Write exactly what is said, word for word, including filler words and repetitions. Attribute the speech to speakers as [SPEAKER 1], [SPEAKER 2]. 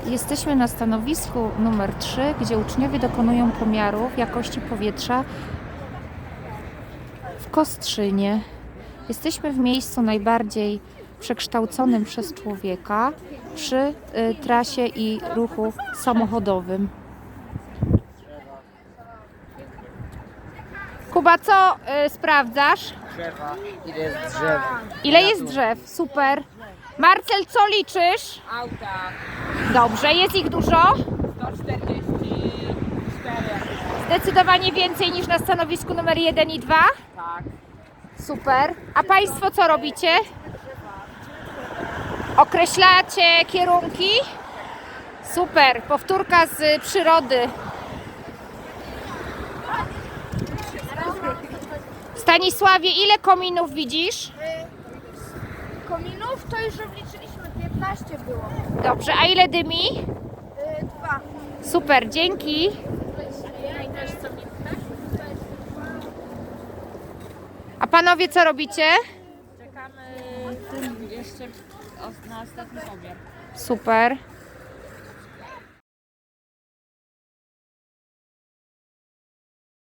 [SPEAKER 1] Jesteśmy na stanowisku numer trzy, gdzie uczniowie dokonują pomiarów jakości powietrza w Kostrzynie. Jesteśmy w miejscu najbardziej przekształconym przez człowieka przy y, trasie i ruchu samochodowym. Kuba, co y, sprawdzasz?
[SPEAKER 2] Drzewa. Ile jest drzew?
[SPEAKER 1] Ile jest drzew? Super. Marcel, co liczysz?
[SPEAKER 2] Auta.
[SPEAKER 1] Dobrze, jest ich dużo?
[SPEAKER 2] sto czterdzieści cztery.
[SPEAKER 1] Zdecydowanie więcej niż na stanowisku numer jeden i dwa?
[SPEAKER 2] Tak.
[SPEAKER 1] Super. A Państwo co robicie? Określacie kierunki? Super. Powtórka z przyrody. Stanisławie, ile kominów widzisz?
[SPEAKER 3] Kominów to już obliczyliśmy, piętnaście było.
[SPEAKER 1] Dobrze, a ile dymi?
[SPEAKER 3] Yy, dwa.
[SPEAKER 1] Super, dzięki. A panowie co robicie?
[SPEAKER 2] Czekamy jeszcze na ostatni pomiar.
[SPEAKER 1] Super.